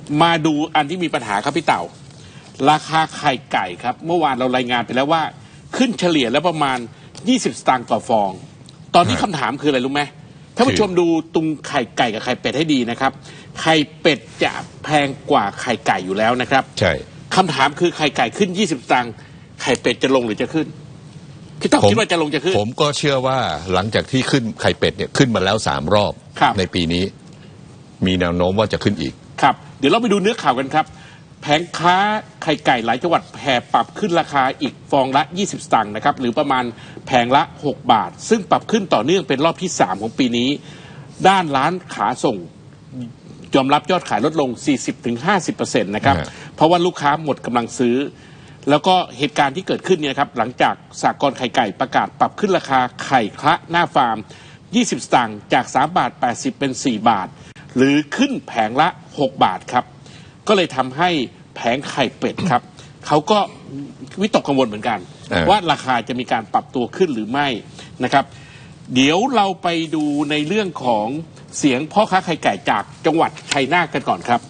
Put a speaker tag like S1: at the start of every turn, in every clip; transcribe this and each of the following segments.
S1: มาดูอันที่มีปัญหาครับพี่เต่าราคาไข่ไก่ครับเมื่อวานเรารายงานไปแล้วว่าขึ้นเฉลี่ยแล้วประมาณ20 สตางค์ต่อฟองตอนนี้คำถามคืออะไรรู้ไหมท่านผู้ชมดูตรงไข่ไก่กับไข่เป็ดให้ดีนะครับไข่เป็ดจะแพงกว่าไข่ไก่อยู่แล้วนะครับใช่คำถามคือไข่ไก่ขึ้น20 สตางค์ไข่เป็ดจะลงหรือจะขึ้นพี่ต้องคิดว่าจะลงจะขึ้น
S2: ผมก็เชื่อว่าหลังจากที่ขึ้นไข่เป็ดเนี่ยขึ้นมาแล้ว3 รอบในปีนี้มีแนวโน้มว่าจะขึ้นอีก
S1: ครับเดี๋ยวเราไปดูเนื้อข่าวกันครับแผงค้าไข่ไก่หลายจังหวัดแห่ปรับขึ้นราคาอีกฟองละ20 สตางค์นะครับหรือประมาณแผงละ6 บาทซึ่งปรับขึ้นต่อเนื่องเป็นรอบที่3ของปีนี้ด้านร้านขาส่งยอมรับยอดขายลดลง 40-50% นะครับเพราะว่าลูกค้าหมดกำลังซื้อแล้วก็เหตุการณ์ที่เกิดขึ้นเนี่ยครับหลังจากสหกรณ์ไข่ไก่ประกาศปรับขึ้นราคาไข่คละหน้าฟาร์ม20 สตางค์จาก3 บาท 80เป็น4 บาทหรือขึ้นแผงละ6 บาทครับก็เลยทำให้แผงไข่เป็ดครับเขาก็วิตกกังวลเหมือนกันว่าราคาจะมีการปรับตัวขึ้นหรือไม่นะครับเดี๋ยวเราไปดูในเรื่องของเสียงพ่อค้าไข่ไก่จากจังหวัดชัยนาทกันก่อนครับ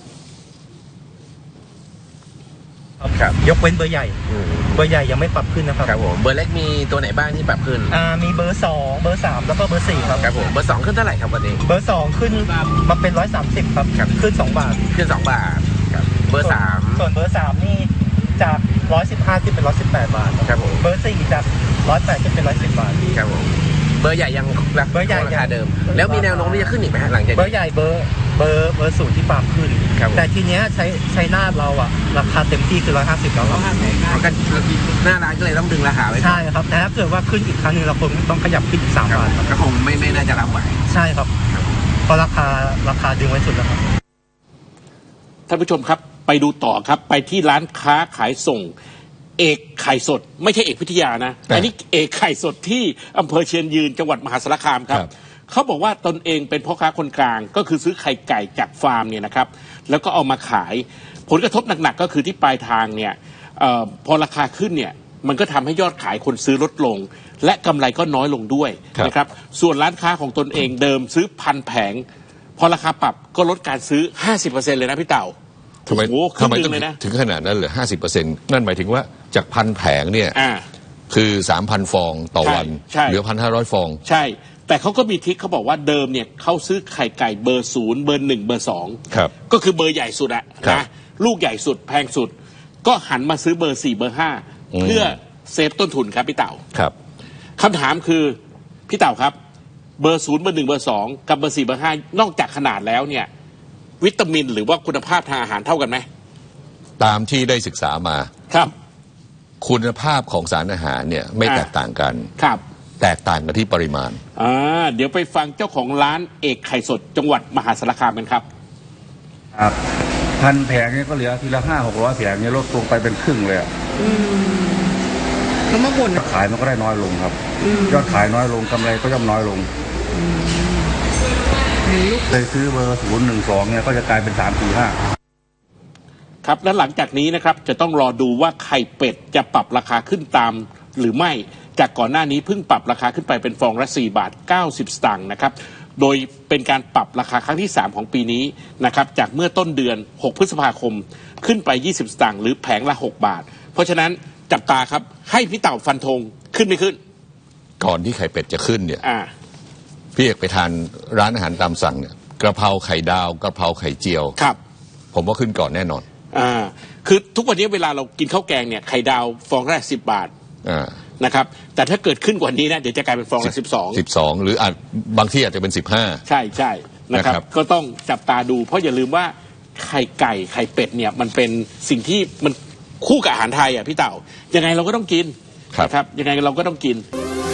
S3: ยกเว้นเบอร์ใหญ่เบอร์ใหญ่ยังไม่ปรับขึ้นนะครับ
S4: ครับผมเบอร์เล็กมีตัวไหนบ้างที่ปรับขึ้น
S3: มีเบอร์2เบอร์3แล้วก็เบอร์4ครับ
S4: ครับผมเบอร์2ขึ้นเท่าไหร่ครับวันนี้
S3: เบอร์2ขึ้นมาเป็น130ครับขึ้น2 บาท
S4: ขึ้น2 บาทครับเบอร์3
S3: ส่วนเบอร์3นี่จาก115ขึ้นเป็น118 บาท
S4: ครับผม
S3: เบอร์4จาก108ขึ้นเป็น110 บาท
S4: ครับผมเบอร์ใหญ่ยัง
S3: เบอร์ใหญ่
S4: ราคาเดิมแล้วมีแนวโน้มที่จะขึ้นอีกไหมหลังจาก
S3: เบอร์ใหญ่เบอร์0ที่ปรับขึ้นแต่ทีเนี้ยใช้หน้าเราอะราคาเต็มที่คือ150แล้วครับ
S4: กันหน้าร้านก็เลยต้องดึงราคาไว้
S3: ใช่ครับแต่ถ้าเกิดว่าขึ้นอีกครั้งนึงเราคงต้องขยับขึ้นอีก3 บาท
S4: ก็คงไม่น่าจะรับไหว
S3: ใช่ครับเพราะราคาดึงไว้สุดแล้วครับ
S1: ท่านผู้ชมครับไปดูต่อครับไปที่ร้านค้าขายส่งเอกไข่สดไม่ใช่เอกพิทยานะอันนี้เอกไข่สดที่อำเภอเชียงยืนจังหวัดมหาสารคามครับเขาบอกว่าตนเองเป็นพ่อค้าคนกลางก็คือซื้อไข่ไก่จากฟาร์มเนี่ยนะครับแล้วก็เอามาขายผลกระทบหนักๆก็คือที่ปลายทางเนี่ยพอราคาขึ้นเนี่ยมันก็ทำให้ยอดขายคนซื้อลดลงและกำไรก็น้อยลงด้วยนะครับส่วนร้านค้าของตนเองเดิมซื้อ1,000 แผงพอราคาปรับก็ลดการซื้อ 50% เลยนะพี่เต่า
S2: ทำไมต้องถึงขนาดนั้นเหลือ 50% นั่นหมายถึงว่าจาก1,000 แผงเนี่ยคือ 3,000 ฟองต่อวันเหลือ 1,500 ฟอง
S1: ใช่แต่เขาก็มีทริคเขาบอกว่าเดิมเนี่ยเขาซื้อไข่ไก่เบอร์0เบอร์1เบอร์2ก็คือเบอร์ใหญ่สุดอะนะลูกใหญ่สุดแพงสุดก็หันมาซื้อเบอร์4เบอร์5เพื่อเซฟต้นทุนครับพี่เต่า
S2: ครับ
S1: คำถามคือพี่เต่าครับเบอร์0เบอร์1เบอร์2กับเบอร์4เบอร์5นอกจากขนาดแล้วเนี่ยวิตามินหรือว่าคุณภาพทางอาหารเท่ากันไหม
S2: ตามที่ได้ศึกษามา
S1: ครับ
S2: คุณภาพของสารอาหารเนี่ยไม่แตกต่างกัน
S1: ครับ
S2: แตกต่างกันที่ปริมาณ
S1: เดี๋ยวไปฟังเจ้าของร้านเอกไข่สดจังหวัดมหาสารคามกันครับ
S5: ครับ1,000 แผงเนี่ยก็เหลือทีละ500-600 แผงเนี่ยลดลงไปเป็นครึ่งเลย
S1: แล้วเมื่อก่อน
S5: ขายมันก็ได้น้อยลงครับยอดขายน้อยลงกำไรก็ย่อมน้อยลงเลยซื้อเบอร์012เนี่ยก็จะกลายเป็น345
S1: ครับและหลังจากนี้นะครับจะต้องรอดูว่าไข่เป็ดจะปรับราคาขึ้นตามหรือไม่จากก่อนหน้านี้เพิ่งปรับราคาขึ้นไปเป็นฟองละ4 บาท 90 สตางค์นะครับโดยเป็นการปรับราคาครั้งที่3ของปีนี้นะครับจากเมื่อต้นเดือน6 พฤษภาคมขึ้นไป20 สตางค์หรือแผงละ6 บาทเพราะฉะนั้นจับตาครับให้พี่เต่าฟันธงขึ้นไม่ขึ้น
S2: ก่อนที่ไข่เป็ดจะขึ้นเนี่ยพี่เอกไปทานร้านอาหารตามสั่งเนี่ยกระเพราไข่ดาวกระเพราไข่เจียว
S1: ครับ
S2: ผมว่าขึ้นก่อนแน่นอน
S1: คือทุกวันนี้เวลาเรากินข้าวแกงเนี่ยไข่ดาวฟองละ10 บาทนะครับแต่ถ้าเกิดขึ้นกว่านี้นะเดี๋ยวจะกลายเป็นฟองละ
S2: 12หรืออาจบางที่อาจจะเป็น15
S1: ใช่นะครับก็ต้องจับตาดูเพราะอย่าลืมว่าไข่ไก่ไข่เป็ดเนี่ยมันเป็นสิ่งที่มันคู่กับอาหารไทยอ่ะพี่เต่ายังไงเราก็ต้องกินนะครับยังไงเราก็ต้องกิน